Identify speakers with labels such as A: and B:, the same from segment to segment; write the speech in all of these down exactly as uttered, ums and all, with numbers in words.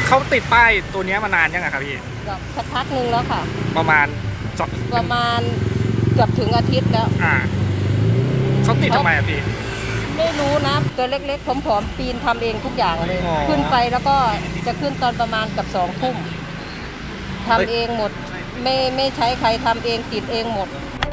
A: เขาติดป้ายตัวนี้มานานยังไงครับพี่
B: ก็สักพักหนึ่งแล้วค่ะ
A: ประมาณ
B: ประมาณเกือบถึงอาทิตย์แล้ว
A: อ่าเขาติดทำไมอะพี่
B: ไม่รู้นะตัวเล็กๆผอมๆปีนทำเองทุกอย่างเลยขึ้นไปแล้วก็จะขึ้นตอนประมาณกับสองทุ่มทำเองหมดไม่ไม่ใช้ใครทำเองติดเองหมด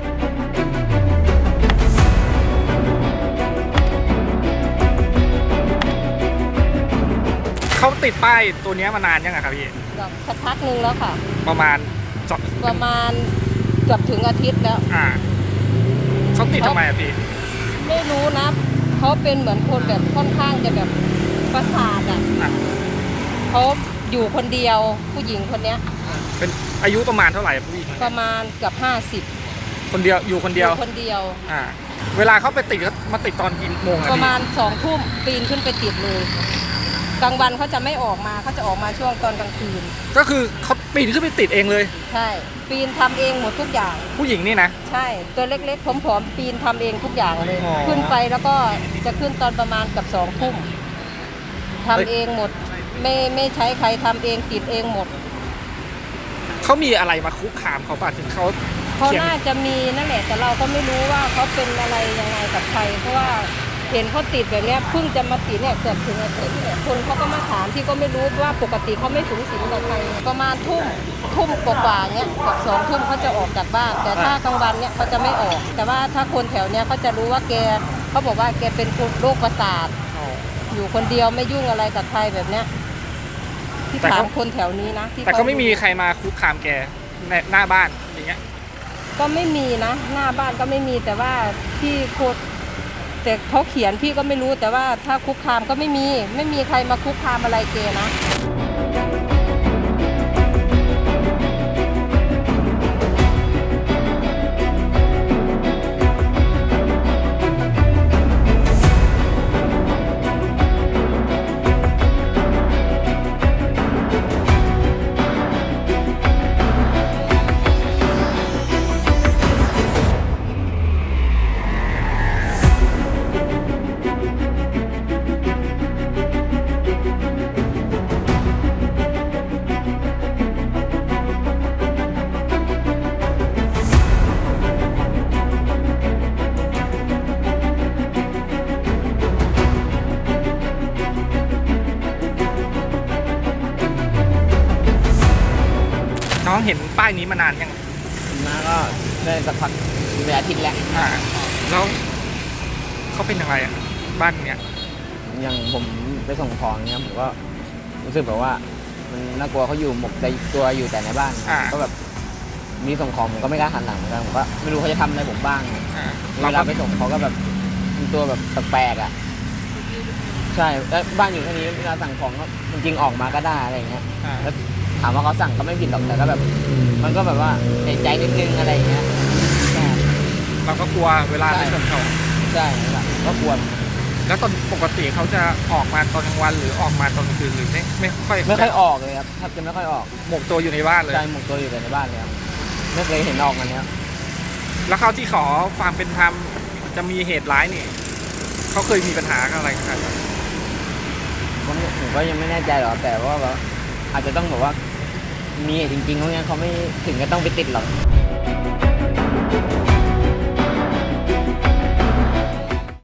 A: เขาติดป้ายตัวนี้มานานยังไงครับพี่
B: ก็สักพักหนึ่งแล้วค่ะ
A: ประมาณ
B: ประมาณเกือบถึงอาทิตย์แล้ว
A: อ่าเขาติดทำไมอะพี่
B: ไม่รู้นะเขาเป็นเหมือนคนแบบค่อนข้างจะแบบประสาทอ่ะเขาอยู่คนเดียวผู้หญิงคนเนี้ย
A: เป็นอายุประมาณเท่าไหร่ผู้หญิง
B: ประมาณเกือบห้าสิบ
A: คนเดียวอยู่คนเดียว
B: คนเดียว
A: อ่าเวลาเขาไปติดเขามาติดตอนกี่โมง
B: ประมาณสองทุ่มปีนขึ้นไปติดเลยกลางวันเขาจะไม่ออกมาเขาจะออกมาช่วงตอนกลางคืน
A: ก็คือเขาปีนขึ้นไปติดเองเลย
B: ใช่ปีนทำเองหมดทุกอย่าง
A: ผู้หญิงนี่นะ
B: ใช่ตัวเล็กๆผอมๆปีนทำเองทุกอย่างเลยขึ้นไปแล้วก็จะขึ้นตอนประมาณกับสองทุ่มทำเองหมดไม่ไม่ใช้ใครทำเองติดเองหมด
A: เขามีอะไรมาคุกคามเขาป่ะถึงเขา
B: เขาน่าจะมีนั่นแหละแต่เราก็ไม่รู้ว่าเขาเป็นอะไรยังไงกับใครเพราะว่าเห็นเขาติดแบบนี้เพิ่งจะมาติดเนี่ยเกือบถึงอาทิตย์เนี่ยคนเขาก็มาถามที่ก็ไม่รู้ว่าปกติเขาไม่สูงสิงกับใครประมาณทุ่มทุ่มกว่าๆเนี้ยกับสองทุ่มเขาจะออกจากบ้านแต่ถ้ากลางวันเนี่ยเขาจะไม่ออกแต่ว่าถ้าคนแถวเนี้ยเขาจะรู้ว่าแกเขาบอกว่าแกเป็นโรคประสาทอยู่คนเดียวไม่ยุ่งอะไรกับใครแบบเนี้ยที่ถามคนแถวนี้นะ
A: แต่ก็ไม่มีใครมาคุกคามแกในหน้าบ้านอย่างเงี้ย
B: ก็ไม่มีนะหน้าบ้านก็ไม่มีแต่ว่าที่โคตรแต่เขาเขียนพี่ก็ไม่รู้แต่ว่าถ้าคุกคามก็ไม่มีไม่มีใครมาคุกคามอะไรเกนะ
A: น้องเห็นป้ายนี้มานานยัง
C: มาก็ได้สักพักเป็นอาทิตย์แล้ว
A: อ่าแล้วเขาเป็นอะไรอ่ะบ้านเนี้ย
C: อย่างผมไปส่งของเนี้ยผมก็รู้สึกแบบว่ามันน่ากลัวเขาอยู่หมกใจตัวอยู่แต่ในบ้านก็แบบมีส่งของผมก็ไม่กล้าหันหลังเหมือนกันผมก็ไม่รู้เขาจะทำอะไรผมบ้างเวลาไปส่งเขาก็แบบมีตัวแบบแปลกๆอ่ะใช่แล้วบ้านอยู่แค่นี้เวลาสั่งของก็จริงๆออกมาก็ได้อะไรเงี้ยแล้วถามว่าเขาสั่งก็ไม่ผิดหรอกแต่ก็แบบมันก็แบบว่าในใจนิดนึงอะไรอย่างเงี้ย
A: เราก็กลัวเวลาไปส่งเขา
C: ใช่ก็กลัว
A: แล้วตอนปกติเขาจะออกมาตอนกลางวันหรือออกมาตอนกลางคืนหรือไม่ไม่ค่อย
C: ไม่ค่อยออกเลยครับแทบจะไม่ค่อยออก
A: หมกตัวอยู่ในบ้านเลย
C: ใช่หมกตัวอยู่แต่ในบ้านเลยครับไม่เคยเห็นออกมาเนี้ย
A: แล้วเขาที่ขอความเป็นธรรมจะมีเหตุร้ายนี่เขาเคยมีปัญหาอะไรกัน
C: ผมก็ยังไม่แน่ใจหรอกแต่ว่าแบบอาจจะต้องแบบว่ามีจริงๆเพราะงั้นเขาไม่ถึงก็ต้องไปติดหรอก